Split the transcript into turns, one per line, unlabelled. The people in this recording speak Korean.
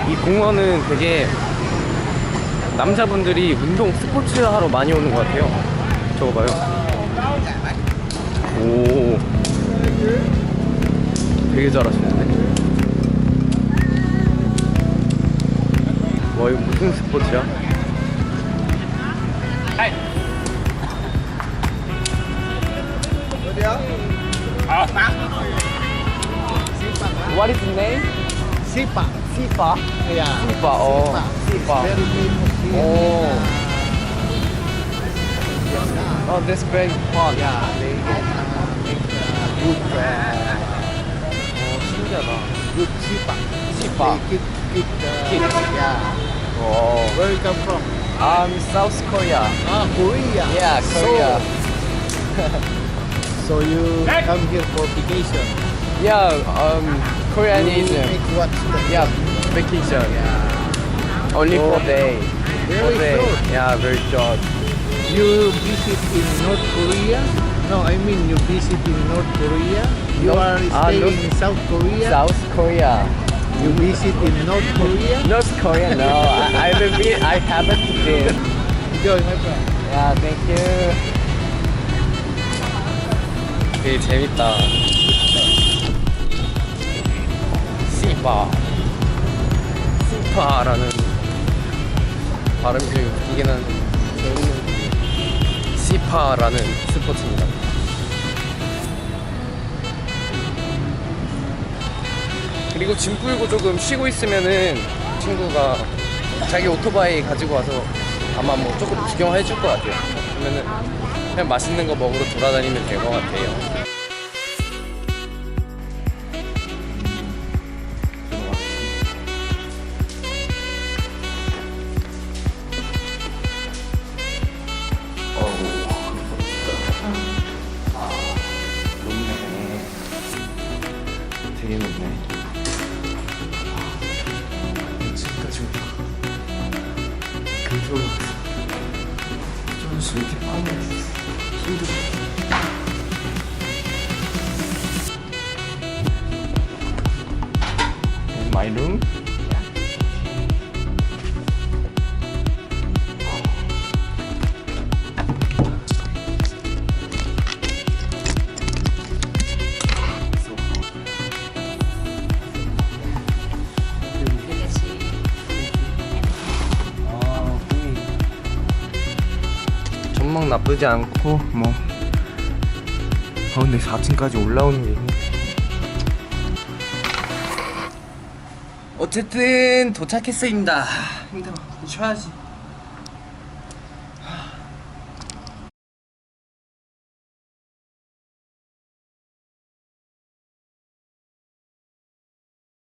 이 공원은 되게 남자분들이 운동 스포츠 하러 많이 오는 것 같아요. 저거 봐요. 오, 되게 잘하시는데. 와, 이거 무슨 스포츠야? What is the name?
Sipa.
Sipa.
Yeah.
Sipa. Oh, Sipa.
Very famous here.
Oh. Oh, that's very fun.
Yeah, they make good
신기하다.
good sipa.
Sipa.
They keep
Keep.
yeah.
Oh.
Where you come from?
South Korea.
Ah, Korea.
Yeah, Korea.
So you come here for vacation.
Yeah, Korean
You
is
make what?
yeah, vacation.
Yeah.
Only
Oh.
4 days.
Very
4 days.
short.
Yeah, very short.
You visit in North Korea? No, I mean you visit in North Korea. You are staying in South Korea.
South Korea.
You visit in North Korea.
North Korea, no. I haven't been.
Enjoy, my friend.
Yeah, thank you. 되게 재밌다. 시파라는 발음이 좀 웃기긴 한데 시파라는 스포츠입니다. 그리고 짐 풀고 조금 쉬고 있으면은 친구가 자기 오토바이 가지고 와서 아마 뭐 조금 구경해 줄 것 같아요. 그러면은 그냥 맛있는 거 먹으러 돌아다니면 될 것 같아요. 되게 높네. 지금까지 근처로 저는 이렇게 빠르게 힘들어. My room? 전망 나쁘지 않고 뭐 근데 4층까지 올라오는 게 힘들어. 어쨌든 도착했습니다. 힘들어. 쉬어야지.